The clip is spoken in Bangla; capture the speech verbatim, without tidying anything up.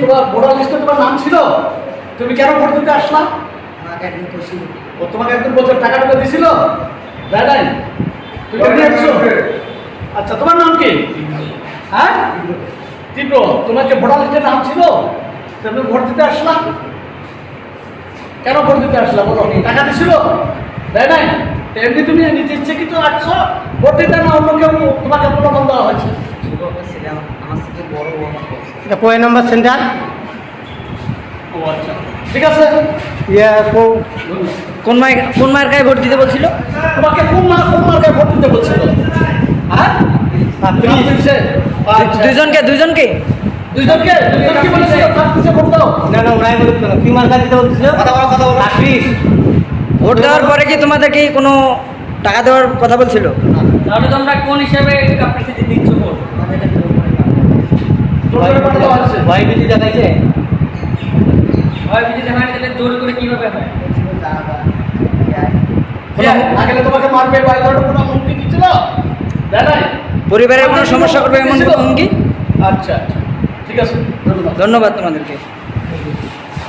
তোমার ভোটার লিস্টে তোমার নাম ছিল? তুমি কেন ভোট দিতে আসলা? আমাকে একদিন করছিল। ও তোমাকে একদম বলছে টাকা টাকা দিছিল? দেয় নাই? তুমি কেন আসছো? আচ্ছা, তোমার নাম কি? হ্যাঁ, তীব্র। তোমার যে ভোটার লিস্টে নাম ছিল তুমি ভোট দিতে আসলা? কেন ভোট দিতে আসলা বলো? টাকা দিছিল? দেয় নাই? এমনি তুমি নিজে ইচ্ছে কিন্তু আসছো ভোট দিতে, না অন্য কেউ তোমাকে প্রলোভন দেওয়া হয়েছে? আমার থেকে বড় ও আমার করছে। এটা কয় নম্বর সেন্টার? ও আচ্ছা, ঠিক আছে। ইয়ে কোন মায়ের কোন মায়ের গায়ে ভোট দিতে বলছিল? তোমাকে কোন মা কোন মার্কায় ভোট দিতে বলছিল? হ্যাঁ, প্লিজ। আচ্ছা, দুইজনকে দুইজনকে দুইজনকে দুইজন কি বলেছিল? তার পিছে ভোট দাও। না না ওরাই বলছিল কি মার্কা দিতে বলছিল? কথা বলো, কথা বলো। প্লিজ। ভোট দেওয়ার পরে কি তোমাদেরকে কোনো টাকা দেওয়ার কথা বলছিল? তাহলে তোমরা কোন হিসাবে আপনার সাথে দিচ্ছ ভোট? জোর করে ভোট দেওয়া হচ্ছে। ভয় ভীতি দেখাইছে? হয় যদি হয় তাহলে জোর করে কিভাবে হয়? না গেলে তোমাকে মারবে বা এই ধরনের কোনো হুমকি দিচ্ছিল? দেয় নাই? পরিবারের কোনো সমস্যা করবে এমন দিছিল? হুমকি? আচ্ছা আচ্ছা, ঠিক আছে, ধন্যবাদ। ধন্যবাদ তোমাদেরকে।